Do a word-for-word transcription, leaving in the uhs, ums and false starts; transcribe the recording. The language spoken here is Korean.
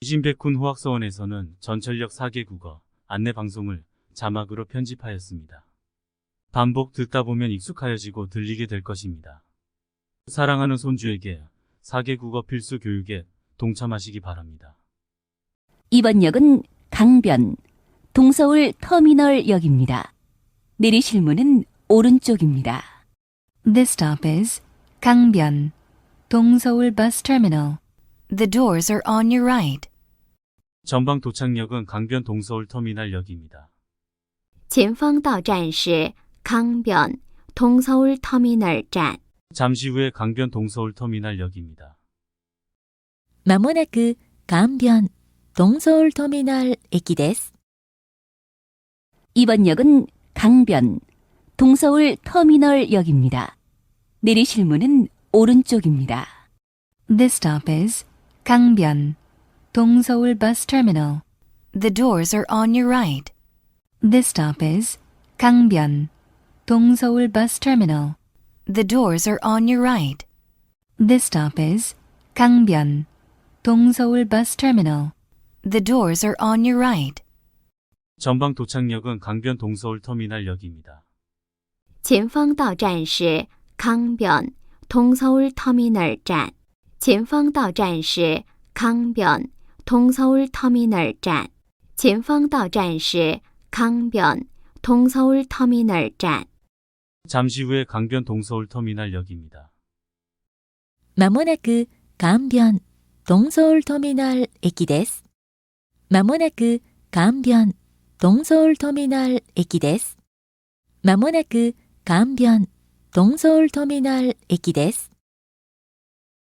신백군 후학서원에서는 전철역 사 개 국어 안내 방송을 자막으로 편집하였습니다. 반복 듣다 보면 익숙하여지고 들리게 될 것입니다. 사랑하는 손주에게 사 개 국어 필수 교육에 동참하시기 바랍니다. 이번 역은 강변, 동서울 터미널역입니다. 내리실 문은 오른쪽입니다. This stop is 강변, 동서울 bus terminal. The doors are on your right. 전방 도착역은 강변 동서울 터미널역입니다. 前方到站是康변 동서울 터미널站。 잠시 후에 강변 동서울 터미널역입니다. まもなく강변 동서울 터미널駅です. 이번 역은 강변, 동서울 터미널역입니다. 내리실 문은 오른쪽입니다. This stop is 강변, 동서울 bus terminal. The doors are on your right. This stop is 강변, 동서울 bus terminal. The doors are on your right. This stop is 강변, 동서울 bus terminal. The doors are on your right. 전방 도착역은 강변 동서울 터미널역입니다. 前方到站是康변 동서울 터미널站。 前方到站是康변 동서울 터미널站。 前方到站是康변 동서울 터미널站。 잠시 후에 강변 동서울 터미널역입니다. まもなく강변 동서울 터미널駅です. まもなく강변 동서울 터미널駅です. まもなく강변 동서울 터미널駅です.